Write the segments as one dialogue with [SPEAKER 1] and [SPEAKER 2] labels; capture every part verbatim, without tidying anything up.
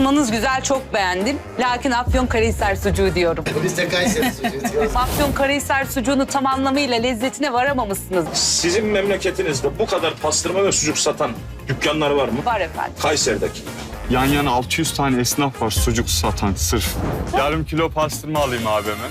[SPEAKER 1] Pastırmanız güzel, çok beğendim. Lakin Afyonkarahisar sucuğu diyorum.
[SPEAKER 2] Biz de Kayseri sucuğu diyoruz.
[SPEAKER 1] Afyonkarahisar sucuğunu tam anlamıyla lezzetine varamamışsınız.
[SPEAKER 3] Sizin memleketinizde bu kadar pastırma ve sucuk satan dükkanlar var mı?
[SPEAKER 1] Var efendim.
[SPEAKER 3] Kayseri'deki.
[SPEAKER 4] Yan yana altı yüz tane esnaf var sucuk satan sırf. Yarım kilo pastırma alayım abime.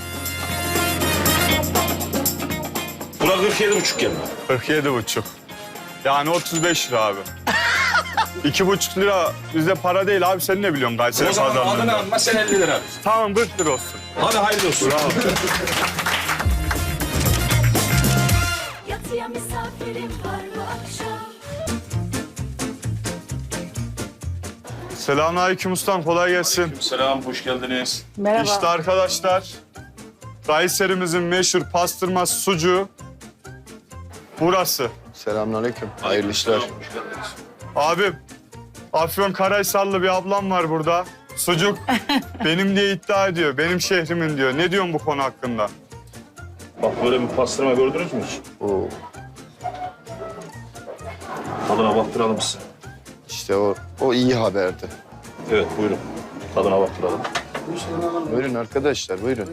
[SPEAKER 3] Bura kırk yedi buçuk geldi.
[SPEAKER 4] kırk yedi buçuk. Yani otuz beş lira abi. İki buçuk lira bizde para değil abi, sen ne biliyorsun Kayseri
[SPEAKER 3] O zaman adını
[SPEAKER 4] pazarlarında?
[SPEAKER 3] alma, sen elli lira ver.
[SPEAKER 4] Tamam kırk lira olsun.
[SPEAKER 3] Hadi hayırlı olsun.
[SPEAKER 4] Bravo.
[SPEAKER 5] Yatıya misafirim var bu akşam.
[SPEAKER 4] Selamünaleyküm ustam, kolay gelsin.
[SPEAKER 3] Selam, hoş geldiniz.
[SPEAKER 1] Merhaba.
[SPEAKER 4] İşte arkadaşlar, Kayserimizin meşhur pastırma sucuğu burası.
[SPEAKER 2] Selamünaleyküm. Hayırlı işler.
[SPEAKER 3] Hoş geldiniz.
[SPEAKER 4] Abim, Afyonkarahisarlı bir ablam var burada. Sucuk benim diye iddia ediyor, benim şehrimin diyor. Ne diyorsun bu konu hakkında?
[SPEAKER 3] Bak böyle bir pastırma gördünüz mü hiç?
[SPEAKER 2] Oo,
[SPEAKER 3] Tadına baktıralım size.
[SPEAKER 2] işte o, o iyi haberdi.
[SPEAKER 3] Evet, buyurun. Tadına baktıralım.
[SPEAKER 2] Buyurun arkadaşlar, buyurun.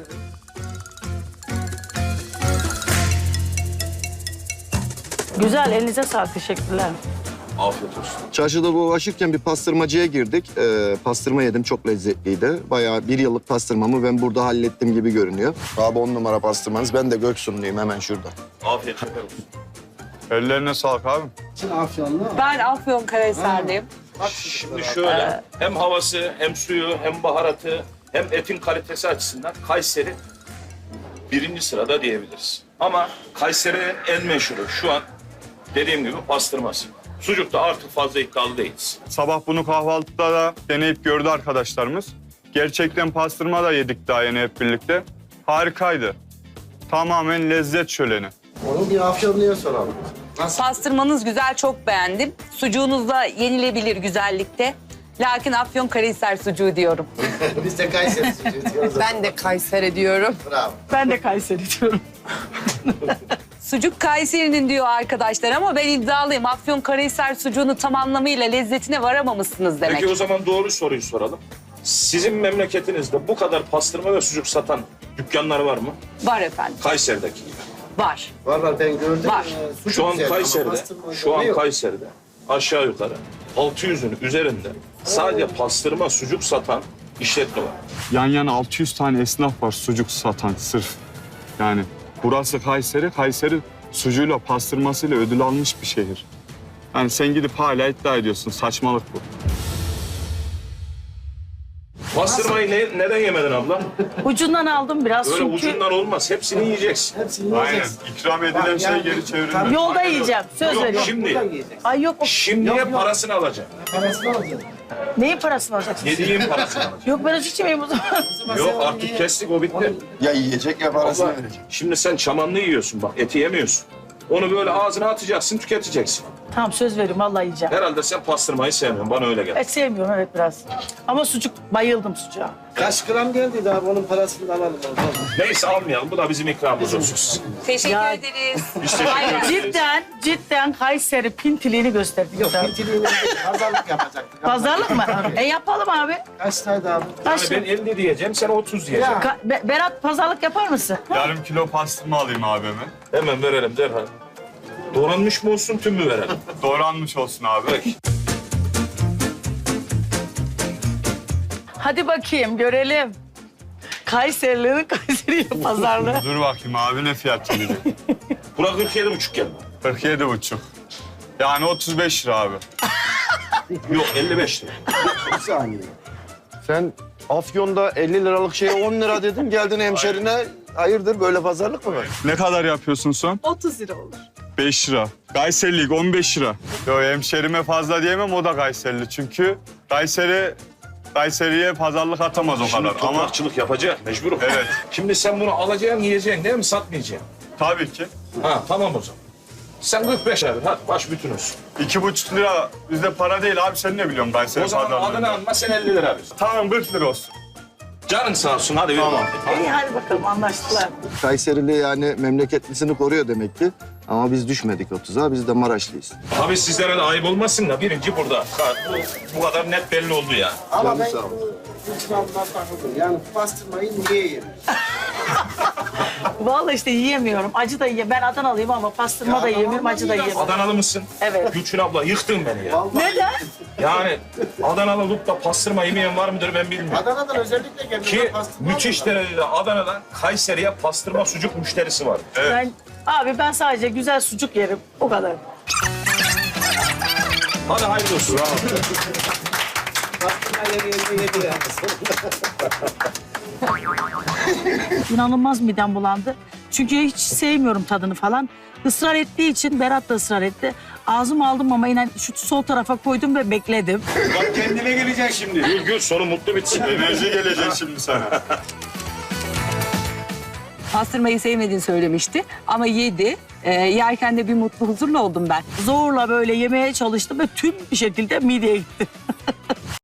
[SPEAKER 6] Güzel, elinize sağlık. Teşekkürler.
[SPEAKER 3] Afiyet olsun.
[SPEAKER 2] Çarşıda dolaşırken bir pastırmacıya girdik. Ee, pastırma yedim, çok lezzetliydi. Bayağı bir yıllık pastırmamı ben burada hallettim gibi görünüyor. Abi on numara pastırmanız. Ben de Göksunluyum, hemen şurada.
[SPEAKER 3] Afiyet şeker olsun.
[SPEAKER 4] Ellerine sağlık abim.
[SPEAKER 1] Ben Afyonkarahisarlıyım.
[SPEAKER 3] Şimdi şöyle, hem havası, hem suyu, hem baharatı, hem etin kalitesi açısından Kayseri birinci sırada diyebiliriz. Ama Kayseri'nin en meşhuru şu an dediğim gibi pastırması. Sucukta artık fazla iddialı değiliz.
[SPEAKER 4] Sabah bunu kahvaltıda da deneyip gördü arkadaşlarımız. Gerçekten pastırma da yedik daha yeni hep birlikte. Harikaydı. Tamamen lezzet şöleni.
[SPEAKER 2] Onu bir Afyonlu'ya soralım.
[SPEAKER 1] Pastırmanız güzel, çok beğendim. Sucuğunuz da yenilebilir güzellikte. Lakin Afyonkarahisar sucuğu diyorum.
[SPEAKER 2] Biz de Kayseri sucuğu diyoruz.
[SPEAKER 7] Ben de Kayseri diyorum.
[SPEAKER 2] Bravo.
[SPEAKER 6] Ben de Kayseri diyorum.
[SPEAKER 1] Sucuk Kayseri'nin diyor arkadaşlar ama ben iddialıyım. Afyonkarahisar sucuğunu tam anlamıyla lezzetine varamamışsınız demek.
[SPEAKER 3] Peki o zaman doğru soruyu soralım. Sizin memleketinizde bu kadar pastırma ve sucuk satan dükkanlar var mı?
[SPEAKER 1] Var efendim,
[SPEAKER 3] Kayseri'deki gibi.
[SPEAKER 1] var.
[SPEAKER 2] Var var, ben gördüm.
[SPEAKER 1] Var.
[SPEAKER 2] Ee, sucuk
[SPEAKER 3] Şu an
[SPEAKER 2] güzel ama
[SPEAKER 3] Kayseri'de,
[SPEAKER 2] pastırma
[SPEAKER 3] şu an
[SPEAKER 2] yok.
[SPEAKER 3] Kayseri'de aşağı yukarı altı yüzün üzerinde sadece pastırma, sucuk satan işletme var.
[SPEAKER 4] Yan yana altı yüz tane esnaf var sucuk satan sırf. Yani burası Kayseri, Kayseri sucuğuyla pastırmasıyla ödül almış bir şehir. Yani sen gidip hala iddia ediyorsun, saçmalık bu.
[SPEAKER 3] Pastırmayı ne, neden yemedin abla?
[SPEAKER 6] Ucundan aldım biraz
[SPEAKER 3] Böyle
[SPEAKER 6] çünkü
[SPEAKER 3] ucundan olmaz. Hepsini yiyeceksin.
[SPEAKER 4] Aynen, ikram edilen şey geri çevrilmez.
[SPEAKER 6] yolda yiyeceğim. Söz
[SPEAKER 3] Yok
[SPEAKER 6] veriyorum.
[SPEAKER 3] şimdi.
[SPEAKER 6] Ay yok, o-
[SPEAKER 3] Şimdiye parasını alacaksın.
[SPEAKER 6] neyin parasını alacaksın?
[SPEAKER 3] Yediğin parasını alacaksın.
[SPEAKER 6] Yok ben hiç içmeyeyim o zaman.
[SPEAKER 3] Yok artık kestik, o bitti.
[SPEAKER 2] Ya yiyecek ya parasını
[SPEAKER 3] Abla,
[SPEAKER 2] verecek.
[SPEAKER 3] şimdi sen çamanlı yiyorsun bak, eti yemiyorsun. Onu böyle ağzına atacaksın, tüketeceksin.
[SPEAKER 6] Tamam söz veriyorum vallahi yiyeceğim.
[SPEAKER 3] Herhalde sen pastırmayı sevmiyorsun, bana öyle geldi.
[SPEAKER 6] Et sevmiyorum evet biraz. Ama sucuk, bayıldım sucuğa.
[SPEAKER 8] Kaç gram geldiydi abi, onun parasını da alalım.
[SPEAKER 3] Neyse almayalım, bu da bizim ikramımız olsun.
[SPEAKER 1] Teşekkür
[SPEAKER 6] Ya-
[SPEAKER 1] ederiz.
[SPEAKER 3] Biz teşekkür ederiz.
[SPEAKER 6] Cidden, cidden Kayseri pintiliğini gösterdi.
[SPEAKER 8] Yok, pintiliğini pazarlık yapacaktık.
[SPEAKER 6] Pazarlık mı? E yapalım abi.
[SPEAKER 8] Kaçtaydı abi?
[SPEAKER 6] Kaç?
[SPEAKER 3] Yani ben elli diyeceğim, sen otuz diyeceksin.
[SPEAKER 8] Ya.
[SPEAKER 6] Ka- Be- Berat pazarlık yapar mısın?
[SPEAKER 4] Yarım kilo pastırma alayım abime.
[SPEAKER 3] Hemen verelim derhal. Doğranmış mı olsun, tüm mü verelim?
[SPEAKER 4] Doğranmış olsun abi.
[SPEAKER 3] Peki.
[SPEAKER 6] Hadi bakayım görelim. Kayserilerin Kayseri'ye pazarlığı.
[SPEAKER 4] Dur bakayım abi, ne fiyat gelecek?
[SPEAKER 3] Bura kırk yedi buçuk geldi.
[SPEAKER 4] kırk yedi buçuk. Yani otuz beş lira abi.
[SPEAKER 3] Yok elli beş lira.
[SPEAKER 2] Bir saniye. Sen Afyon'da elli liralık şeye on lira dedin. Geldin hemşerine. Hayırdır, böyle pazarlık mı var?
[SPEAKER 4] Ne kadar yapıyorsun son?
[SPEAKER 7] otuz lira olur.
[SPEAKER 4] beş lira. Kayserilik on beş lira. Yo, hemşerime fazla diyemem, o da Kayserili. Çünkü Kayseri, Kayseri'ye pazarlık atamaz o
[SPEAKER 3] Şimdi
[SPEAKER 4] kadar. Ama
[SPEAKER 3] toprakçılık yapacak, mecburum.
[SPEAKER 4] Evet.
[SPEAKER 3] Şimdi sen bunu alacaksın, yiyeceksin değil mi? Satmayacaksın.
[SPEAKER 4] tabii ki.
[SPEAKER 3] Ha tamam o zaman. Sen kırk beş abi, hadi baş bütün olsun.
[SPEAKER 4] iki buçuk lira bizde para değil abi, sen ne biliyorsun Kayseri
[SPEAKER 3] O zaman
[SPEAKER 4] pazarlarında?
[SPEAKER 3] adını alma, sen elli lira ver.
[SPEAKER 4] Tamam, kırk lira olsun.
[SPEAKER 3] Canın sağ olsun, hadi ver.
[SPEAKER 4] Tamam.
[SPEAKER 6] İyi hadi bakalım anlaştılar.
[SPEAKER 2] Kayserili yani memleketlisini koruyor demek ki. Ama biz düşmedik o tuzağa. Biz de Maraşlıyız.
[SPEAKER 3] Abi sizlere de ayıp olmasın da birinci burada. Ha, Bu, bu kadar net belli oldu ya.
[SPEAKER 8] Ama
[SPEAKER 2] Canım
[SPEAKER 8] ben
[SPEAKER 2] sağ ol.
[SPEAKER 8] bu ikramdan takıldım. Yani pastırmayı niye yerim?
[SPEAKER 6] Vallahi işte yiyemiyorum. Acı da yiyemiyorum. Ben Adanalıyım ama pastırma da yiyemiyorum, acı da yiyemiyorum.
[SPEAKER 3] Adanalı mısın?
[SPEAKER 6] Evet.
[SPEAKER 3] Gülçin abla yıktın beni ya.
[SPEAKER 8] Vallahi
[SPEAKER 6] Neden?
[SPEAKER 3] Yani Adanalı olup da pastırma yemeyen var mıdır ben bilmiyorum.
[SPEAKER 8] Adana'dan özellikle geldim.
[SPEAKER 3] Ki müthiş derecede Adana'dan Kayseri'ye pastırma sucuk müşterisi var. Evet.
[SPEAKER 6] Ben, abi ben sadece güzel sucuk yerim. O kadar.
[SPEAKER 3] Hadi hayırlı olsun.
[SPEAKER 8] Pastırmayla yedi yedi yani.
[SPEAKER 6] İnanılmaz midem bulandı. Çünkü hiç sevmiyorum tadını falan. Israr ettiği için Berat da ısrar etti. Ağzıma aldım ama inan şu sol tarafa koydum ve bekledim.
[SPEAKER 3] Bak kendine geleceksin şimdi. Gül gül sonu mutlu bitsin.
[SPEAKER 4] Enerji gelecek şimdi sana.
[SPEAKER 1] Pastırmayı sevmediğini söylemişti ama yedi. Ee, yerken de bir mutlu huzurlu oldum ben.
[SPEAKER 6] Zorla böyle yemeye çalıştım ve tüm bir şekilde mideye gitti.